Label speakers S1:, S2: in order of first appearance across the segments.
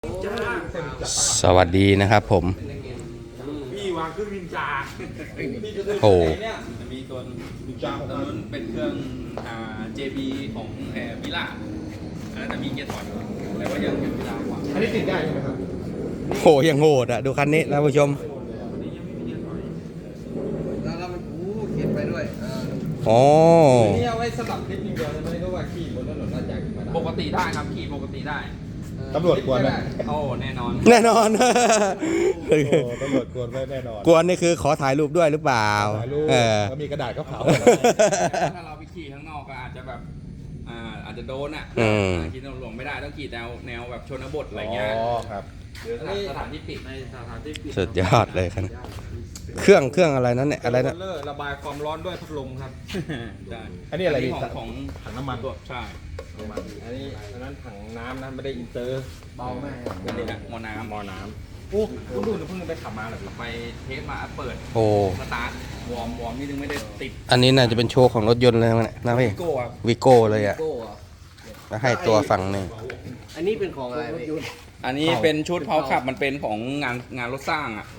S1: สวัสดีนะครับผม
S2: พี่วางเครื่องนินจา
S1: โอ้
S3: จะมีตัวนินจาของนั้นเป็นเครื่องJB ของมิล่าอันนั้นจะมีเกียร์ถอยแต่ว่ายังมิล่ากว่า
S2: อันนี้ติดได้ใช่ไหมครับ
S1: โหยังโหดอ่ะดูคันนี้ท่านผู้ชม
S4: แล้วมันเขียนไปด้วย
S1: อ๋อ
S2: นี่เอาไว้สลับคลิปอย่างเดียวเลยไม่ได้ว่าขี่บนถนนน่าจะขี่มาได้
S3: ปกติได้ครับขี่ปกติได้
S2: ตำรวจกวนไหม
S3: โอ้แน่นอน
S1: แน่นอน
S2: ตำรวจกวนไม่แน่นอน
S1: กวนนี่คือขอถ่ายรูปด้วยหรือเปล่า
S2: ถ่ายรูปก็มีกระดาษเขาเผา
S3: ถ้าเราไปขี่ข้างนอกก็อาจจะแบบอาจจะโดนอ่ะขี่ถนนหลวงไม่ได้ต้องขี่แนวแบบชนบทอะไรเงี้ย
S2: อ๋อครับ
S3: หรือสถานที่ปิดในสถานที่ปิด
S1: สุดยอดเลยครับเครื่องอะไรนั้นเนี่ยอะไรนะ
S2: ระบายความร้อนด้วยพัดลมครับ
S3: ใช่
S2: อันนี้อะไร
S3: ของ
S2: ถังน้ำมัน
S3: ตัวใช่
S2: อันนี้นั้นถังน้ำนะไม่ได้อินเตอร์
S4: เบามาก
S3: อันนี้หม้อน้
S2: ำโอ้คุณดูเพิ่งไปขับมาเหรอ
S3: ไปเทสมาเปิด
S1: โอ้
S3: สตาร์ทวอร์มนี่นึงไม่ได้ติด
S1: อันนี้น่าจะเป็นโชว์ของรถยนต์เลยนะพี่วิโก้เลยอ่ะแล้วให้ตัวฝั่งนี่
S4: อันนี้เป็นของอะไร
S3: อันนี้เป็นชุดเพาขับมันเป็นของงานรถสร้างอ่ะ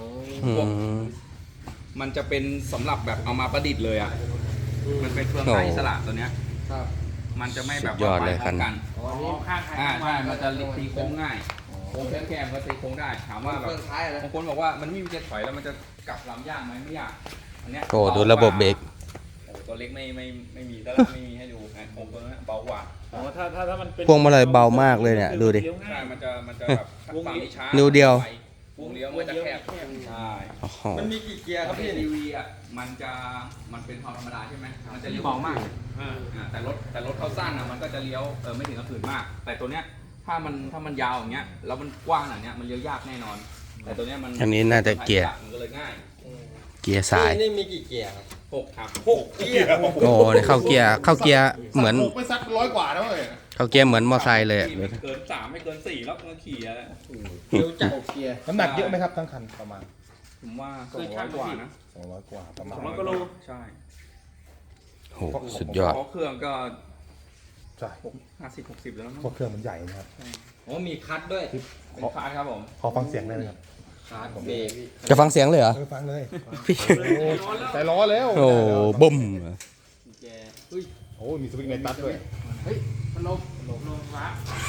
S3: มันจะเป็นสำหรับแบบเอามาประดิษฐ์เลยอ่ะมันเป็นเฟืองไฟอิสระตัวเนี้ยมันจะไม่แบบ
S1: ว่าไปพร้อม
S3: กันใช่มันจะตีโค้งง่ายโค้งแคบๆก็ตีโค้งได้ถามว่าแบบบางคนบอกว่ามันไม่มีเกียร์ถอยแล้วมันจะกลับลำยากไหมไม่ยากอันเนี้ย
S1: โอ้ดูระบบเบรก
S3: ตัวเล็กไม่มีแล้วไม่มีให้ดูโค้งตัวนั้นเบากว่า
S2: ถ้ามันเป็น
S1: พวงมาลัยเบามากเลยเนี่ยดูดิ
S3: ใช่มันจะแบบฝั่งนี้ช้า
S1: นิ้วเดียว
S3: วงเลี้ยวมันจะแคบใช่
S2: มันมีกี่เกียร์ครับพี่
S3: ทีวีอ่ะมันเป็นความธรรมดาใช่ไหมมันจะเลี้ยวเบามากแต่รถเขาสั้นอ่ะมันก็จะเลี้ยวไม่ถึงกระผืนมากแต่ตัวเนี้ยถ้ามันยาวอย่างเงี้ยแล้วมันกว้างอย่างเงี้ยมันเลี้ยวยากแน่นอนแต่ตัวเนี้ยมัน
S1: อันนี้น่าจะเกียร์
S3: มันก็เลยง่าย
S1: เกียร์สาย
S4: นี่มีกี่เกียร์ครับ
S3: 6ครับ
S4: 6เกียร์
S1: โอ้เนี่ยเข้าเกียร์เหมือน
S2: ไปสัก100 กว่าแล้วเลย
S1: เข้าเกียร์เหมือนมอไซค์เลย
S3: ไม่เกิน3ไม่เกิน4แล้วมันขี่แล้ว
S4: เดี๋ยวจับเกียร์
S2: น้ำหนักเยอะไหมครับทั้งคันประมาณ
S3: ผมว่า200 กว่านะ
S2: 200 กว่าประมาณ
S3: 200 กิโลใช่
S1: โหสุดยอด
S3: เครื่องก็
S2: ใช่
S3: 50-60แล้ว
S2: เพราะเครื่องมันใหญ่นะครับ
S4: มีคัทด้วย
S3: เป็นคัทครับผม
S2: ขอฟังเสียงได้ไหมครับ
S4: คัทเบรก
S1: จะฟังเสียงเลยเหรอ
S2: ฟังเลยใส่ล้อแล้ว
S1: โอ้บุ้ม
S2: โอ้มีสวิงในตัดด้วย
S4: เฮ้ยมันลงฟ้า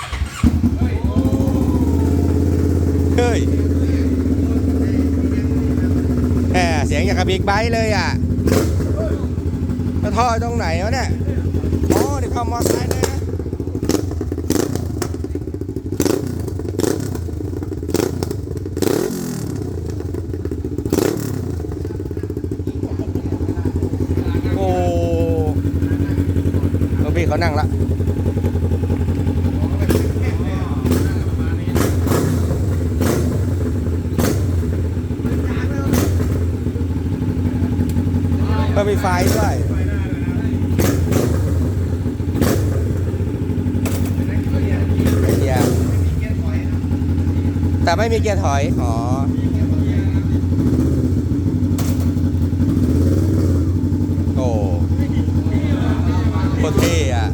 S1: เฮ้ยแหมเสียงอย่างกับบิ๊กไบค์เลยอ่ะแล้วท่อตรงไหนวะเนี่ยอ๋อเดี๋ยวเข้ามอไซค์เลยนะโอ้พี่เขานั่งละก็มีไฟด้วยแต่ไม่มีเกียร์ถอยอ๋อโอ้โคตรเท่อะ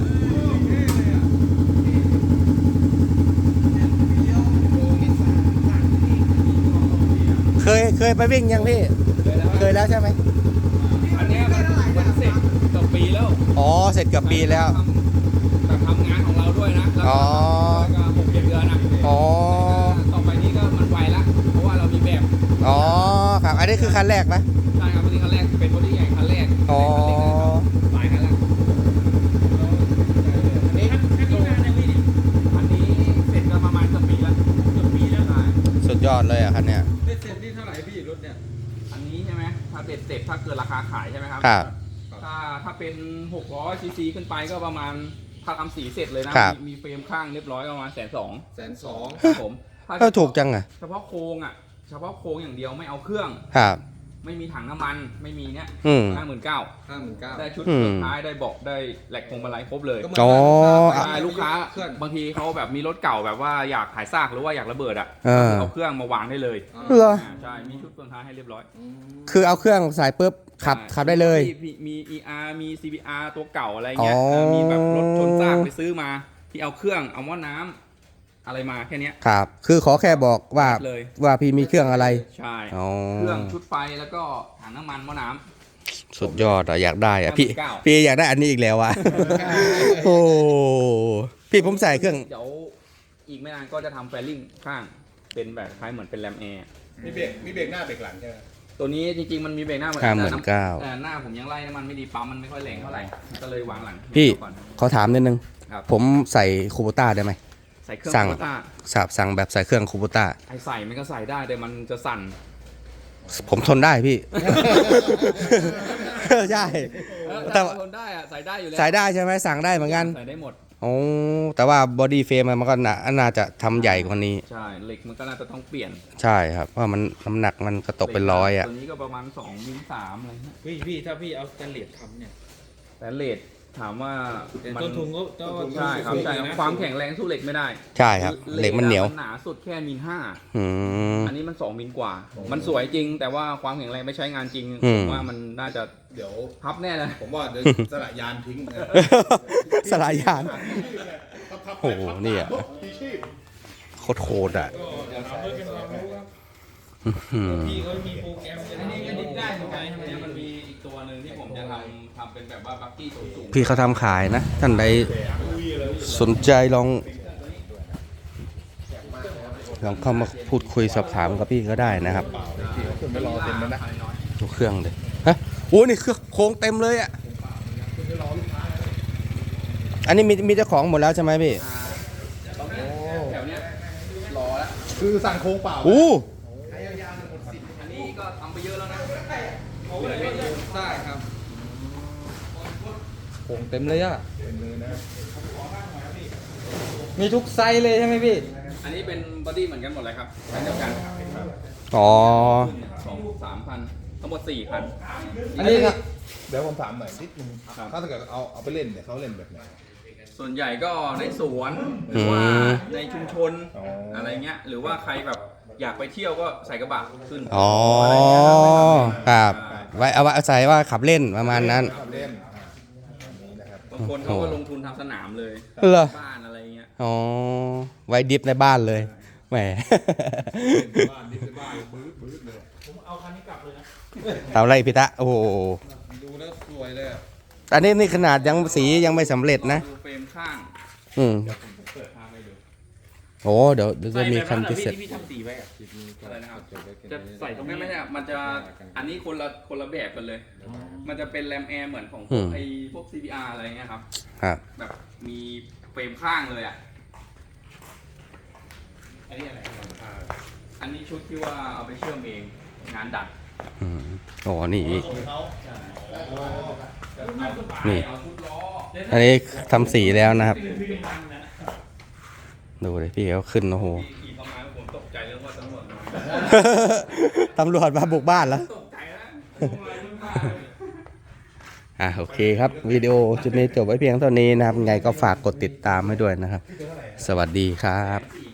S1: เคยไปวิ่งยังพี่เคยแล้วใช่ไหม
S3: อันนี้มันเสร็จกับปีแล้ว
S1: อ๋อเสร็จกับปีแล้ว
S3: แต่ทำงานของเราด้วยนะแล้วก็6-7 เดือนนะ
S1: อ๋อ
S3: ต่อไปนี้ก็มันไวละเพราะว่าเรามีแบบ
S1: อ๋อครับอันนี้คือคันแรกนะ
S3: ใช่ครับอันนี้คันแรกเป็นบอดี้ใหญ่คันแรก
S1: อ๋อ
S3: หลายคันแล้วอันนี้เสร็จกันประมาณเกือบปีแล้ว
S1: สุดยอดเลยอ่ะคันเนี้ย
S4: เสร็จนี่เท่าไหร่พี่รถเนี่ย
S3: อันนี้ใช่ไหมถ้าเสร็จถ้าเกิดราคาขายใช่ไหมครับ
S1: ครับ
S3: ถ้าเป็น600 ซีซีขึ้นไปก็ประมาณถ้าทำสีเสร็จเลยนะมีเฟรมข้างเรียบร้อยประมาณ120,000ครับผม
S1: ถ้าถูกจังอ่ะ
S3: เฉพาะโครงอย่างเดียวไม่เอาเครื่อง
S1: ครับ
S3: ไม่มีถังน้ำมันไม่มีเนี่ย59,000ได้ชุดสุดท้ายได้เบาะได้แหลกพวงมาลัยครบเลย
S1: อ๋อ
S3: ลูกค้าบางทีเขาแบบมีรถเก่าแบบว่าอยากขายซากหรือว่าอยากระเบิดอ่ะเอาเครื่องมาวางได้เลยใช่มีชุดเฟืองท้ายให้เรียบร้อย
S1: คือเอาเครื่องใส่ปุ๊บขับได้เลย
S3: มี ER มี CBR ตัวเก่าอะไรเงี้ยมีแบบรถชนซากไปซื้อมาที่เอาเครื่องเอาหม้อน้ำอะไรมาแค่เนี้ย
S1: ครับ คือขอแค่บอกว่า
S3: เลย
S1: ว่าพี่มีเครื่องอะไร
S3: ใช่
S1: อ๋อ
S3: เครื่องชุดไฟแล้วก็ถังน้ำมันหม้อน้ำ
S1: สุดยอดอะอยากได้อะพี่
S3: 59
S1: พี่อยากได้อันนี้อีกแล้วอะโอ้พี่ผมใส่เครื่อง
S3: เดี๋ยวอีกไม่นานก็จะทำแฟลลิ่งข้างเป็นแบบคล้ายเหมือนเป็นแรมแอร์
S2: มีเบรกหน้าเบรกหลังใช่ไหม
S3: ตัวนี้จริงๆมันมีเบรกหน้าเหมือน
S1: 59,000
S3: แต่หน้าผมยังไล่น้ำมันไม่ดีปั๊มมันไม่ค่อยแรงเท่าไหร่ก็เลยวางหลัง
S1: พี่
S3: ก่อน
S1: ขอถามนิดนึง
S3: ครับ
S1: ผมใส่คูโบต้าได้ไหม
S3: ใส่เครื่อง
S1: สั่ง
S3: โคต้า
S1: สั่งแบบใส่เครื่องคูโบต้า
S3: ไอใส่มันก็ใส่ได้แต่มันจะสั่น
S1: ผมทนได้พี่ ใช่ แต่
S3: แต่ทนได้อะใส่ได้อยู่แล้ว
S1: ใส่ได้ใช่ไหมสั่งได้เหมือนกัน
S3: ใส่ได้หมด
S1: โอ้แต่ว่าบอดี้เฟรมมันก็น่าจะทำใหญ่กว่านี้
S3: ใช่เหล็กมันก็น่าจะต้องเปลี่ยน
S1: ใช่ครับเพราะมันน้ำหนักมันก็ตกเป็นร้อยอ่ะ
S3: ตัวนี้ก็ประมาณ2มิล3อะไรเงี้ย
S4: พี่ถ้าพี่เอาสแตนเลสทำเนี่ย
S3: แต่เลทถามว่ามั
S4: ต้นทุนก็
S3: ใช่ครับใช่ครับความแข็งแรงสู้เหล็กไม่ได้
S1: ใช่ครับเหล็กมันเหนียว
S3: หนาสุดแค่มิล5
S1: อืม
S3: อันนี้มัน2มิลกว่า มันสวยจริง แต่ว่าความแข็งแรงไม่ใช้งานจริง
S1: อืม
S3: ผมว่ามันน่าจะ
S2: เดี๋ยว
S3: พับแน่เลย
S2: ผมว่าเดี๋ยวสละยานทิ้งนะ
S1: สลายยานโอ้โหเนี่ย
S2: พี่ชีพ
S1: โคตรอ่ะ
S4: เดี๋ยวทำเพื่อเป็นความรู้ครับ
S1: อืม
S4: พี่เขามีโปรแกรมจะ
S3: อันนี้ก็
S4: ได้
S3: ดิ้นได้
S4: ได้
S3: เห
S4: เห
S3: มื
S4: มื
S3: อ
S4: อน น
S3: กั
S4: กัน น
S3: มันมีอีกตัวหนึ่งที่ผมจะทำเป็นแบบว่าบักกี้สูง
S1: พี่เขาทำขายนะ ท่านใดสนใจลองเข้ามาพูดคุยสอบถามกับพี่ก็ได้นะครับ
S2: ขึ้นไปรอเต็มแล้วนะ
S1: ดูเครื่องเลยฮะโอ้นี่เครื่องโค้งเต็มเลยอ่ะอันนี้มีเจ้าของหมดแล้วใช่ไหมพี่
S3: แถวเนี้ยรอแล้ว
S2: คือสั่งโค้งเปล่า
S1: อู้
S3: อันนี้ก็ทำไปเยอะแล้วนะ
S4: ได้ครับโป่งเต็มเลยอ่ะ
S2: เป็นมือนะ
S4: มีทุกไซส์เลยใช่ไหมพี่
S3: อันนี้เป็นบอดี้เหมือนกันหมดเลยครับใช้เดียวกัน
S1: อ๋อ
S3: 2-3 พันทั้งหมด4 พัน
S4: อันนี้ครับ
S2: เดี๋ยวผมถามหน่อยนิดนึงถ้าเกิดเอาไปเล่นเนี่ยเขาเล่นแบบไหน
S3: ส่วนใหญ่ก็ในสวนหรือว่าในชุมชน
S2: อ๋ออ
S3: อะไรเงี้ยหรือว่าใครแบบอยากไปเที่ยวก็ใส่กระบะขึ้น
S1: อ๋อ
S3: อะไรเงี้ยครับ
S1: ครับไว้เอาไว้อาศัยว่าขับเล่นประมาณนั้น
S2: ขับเล่นอันนี้นะครับ
S3: บางคนเขาก็ลงทุนทำสนามเลย
S1: เหรอ
S3: บ้านอะไรเงี้ย
S1: อ๋อ ไว้ดิฟในบ้านเลย แหม
S2: บ้านดิบในบ้านบื้อเลย
S1: ทำไรพี่ตะ โอ้โห
S2: ดูแล้วสวยเลยอะ
S1: อันนี้นี่ขนาดยังสียังไม่สำเร็จนะ
S3: ดูเฟรมข้าง
S1: อืม
S3: เปิดภาพให้ดู
S1: โอ้เดี๋ยวจะมีคันพิเศษ
S4: ที่ทำสีไว้อะ
S3: อะไรนะครับ
S4: จะใส่ตรง
S3: ไม่
S4: นี้
S3: ไม่ใช่มันจะอันนี้คนละแบบกันเลย มันจะเป็นแรมแอร์เหมือนของพ
S1: อื
S3: วก
S1: ม
S3: ไอ้พวก CBR อะไรเงี้ยครับ
S1: ครับ
S3: แบบมีเฟรมข้างเลยอ่ะ
S4: อันนี้อะไร
S3: อันนี้ชุดที่ว่าเอาไปเชื่อมเองงานดัด
S1: อืมโอ้นี่ นี่
S3: เอาชุดล้อ
S1: อันนี้ทำสีแล้วนะครับ ดูเลยพี่เขาขึ้นโอ้โห
S3: ขี่ประมาณผมตกใจเรื่องว่าตำรวจมา
S1: ตำรวจมาบุกบ้านแล้ว
S3: ตกใจแล้ว
S1: โอเคครับ วิดีโอจุดนี้จบไว้เพียงเท่านี้นะครับ ไงก็ฝากกดติดตามให้ด้วยนะครับ สวัสดีครับ
S3: 4